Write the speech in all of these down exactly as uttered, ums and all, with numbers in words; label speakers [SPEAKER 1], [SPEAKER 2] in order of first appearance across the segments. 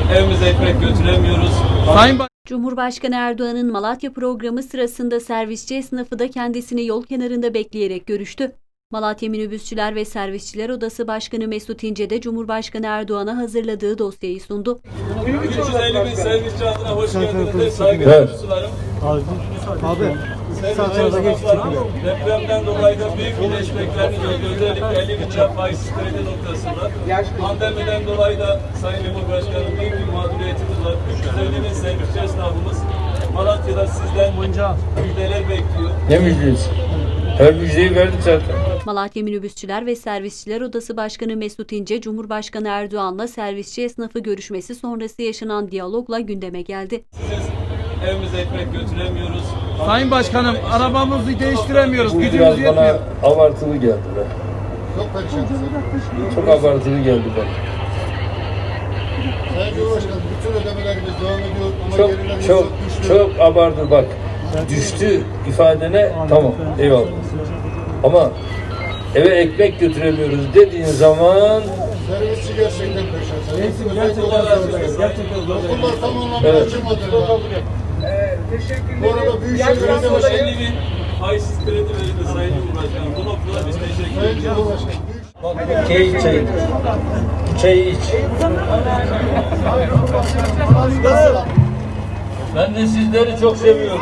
[SPEAKER 1] evimize ekmek götüremiyoruz.
[SPEAKER 2] Sayın Baş
[SPEAKER 3] Cumhurbaşkanı Erdoğan'ın Malatya programı sırasında servisçi esnafı da kendisini yol kenarında bekleyerek görüştü. Malatya Minibüsçüler ve Servisçiler Odası Başkanı Mesut İnce de Cumhurbaşkanı Erdoğan'a hazırladığı dosyayı sundu.
[SPEAKER 1] üç yüz elli bin servisçi adına hoş geldiniz. Saygılar sularım.
[SPEAKER 4] Abi, abi.
[SPEAKER 1] Sevgili esnaflarım, depremden dolayı da büyük bir destekleriniz oldu. Özellikle elli bin lira faizsiz kredi noktasında. Pandemiden dolayı da Sayın Cumhurbaşkanım büyük bir mağduriyetimiz var. üç yüz elli bin servisçi esnafımız Malatya'da sizden müjdeler bekliyor.
[SPEAKER 5] Ne müjdesi? Her müjdeyi verdik zaten.
[SPEAKER 3] Malatya Minibüsçüler ve Servisçiler Odası Başkanı Mesut İnce, Cumhurbaşkanı Erdoğan'la servisçi esnafı görüşmesi sonrası yaşanan diyalogla gündeme geldi.
[SPEAKER 1] Siz evimize ekmek götüremiyoruz.
[SPEAKER 2] Sayın Başkanım, arabamızı değiştiremiyoruz.
[SPEAKER 5] Bu
[SPEAKER 2] Gücümüz
[SPEAKER 5] biraz bana
[SPEAKER 2] yetmiyor.
[SPEAKER 5] abartılı geldi be.
[SPEAKER 4] Çok perişansın.
[SPEAKER 5] Çok abartılı geldi bana.
[SPEAKER 4] Sayın Cumhurbaşkanım, bütün ödemelerimiz devam ediyor ama
[SPEAKER 5] Çok
[SPEAKER 4] gerilerimiz
[SPEAKER 5] çok
[SPEAKER 4] çok düştü.
[SPEAKER 5] çok abartı bak. Düştü ifadene tamam eyvallah. Ama eve ekmek götüremiyoruz dediğin zaman
[SPEAKER 4] Servisçi gerçekten perişan.
[SPEAKER 1] Gerçekten gerçekten zor.
[SPEAKER 4] Okullar tam anlamda
[SPEAKER 1] Evet.
[SPEAKER 4] açılmadı. Bu arada Büyükşehir Belediye
[SPEAKER 1] elli
[SPEAKER 4] Başkanı,
[SPEAKER 1] bin faizsiz kredi verildi Sayın Cumhurbaşkanım. Bu noktada biz teşekkür
[SPEAKER 4] Sayın
[SPEAKER 1] ediyoruz.
[SPEAKER 4] Cumhurbaşkanı,
[SPEAKER 5] çay iç çay. Çay iç. Ben de sizleri çok seviyorum.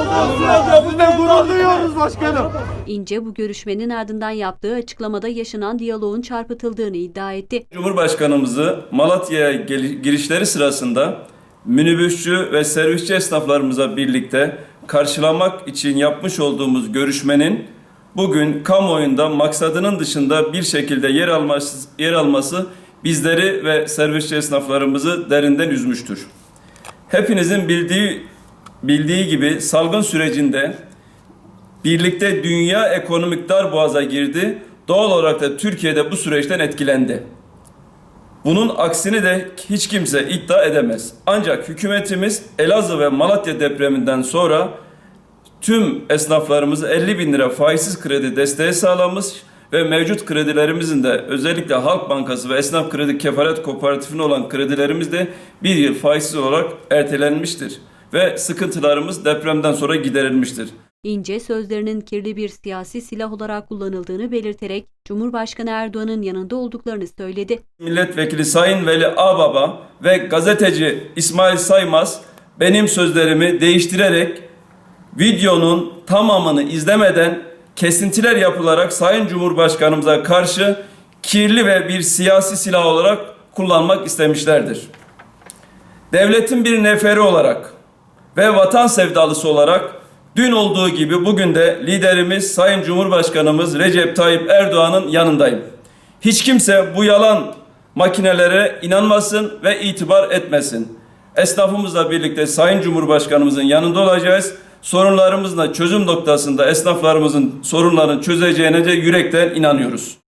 [SPEAKER 3] İnce bu görüşmenin ardından yaptığı açıklamada yaşanan diyaloğun çarpıtıldığını iddia etti.
[SPEAKER 1] Cumhurbaşkanımızı Malatya'ya girişleri sırasında minibüsçü ve servisçi esnaflarımıza birlikte karşılamak için yapmış olduğumuz görüşmenin bugün kamuoyunda maksadının dışında bir şekilde yer alması, yer alması bizleri ve servisçi esnaflarımızı derinden üzmüştür. Hepinizin bildiği bildiği gibi salgın sürecinde birlikte dünya ekonomik darboğaza girdi. Doğal olarak da Türkiye'de bu süreçten etkilendi. Bunun aksini de hiç kimse iddia edemez. Ancak hükümetimiz Elazığ ve Malatya depreminden sonra tüm esnaflarımızı elli bin lira faizsiz kredi desteği sağlamış ve mevcut kredilerimizin de özellikle Halk Bankası ve Esnaf Kredi Kefaret Kooperatifine olan kredilerimiz de bir yıl faizsiz olarak ertelenmiştir. Ve sıkıntılarımız depremden sonra giderilmiştir.
[SPEAKER 3] İnce sözlerinin kirli bir siyasi silah olarak kullanıldığını belirterek Cumhurbaşkanı Erdoğan'ın yanında olduklarını söyledi.
[SPEAKER 1] Milletvekili Sayın Veli Ağbaba ve gazeteci İsmail Saymaz benim sözlerimi değiştirerek videonun tamamını izlemeden kesintiler yapılarak Sayın Cumhurbaşkanımıza karşı kirli ve bir siyasi silah olarak kullanmak istemişlerdir. Devletin bir neferi olarak ve vatan sevdalısı olarak dün olduğu gibi bugün de liderimiz Sayın Cumhurbaşkanımız Recep Tayyip Erdoğan'ın yanındayım. Hiç kimse bu yalan makinelere inanmasın ve itibar etmesin. Esnafımızla birlikte Sayın Cumhurbaşkanımızın yanında olacağız. Sorunlarımızla çözüm noktasında esnaflarımızın sorunlarını çözeceğine de yürekten inanıyoruz.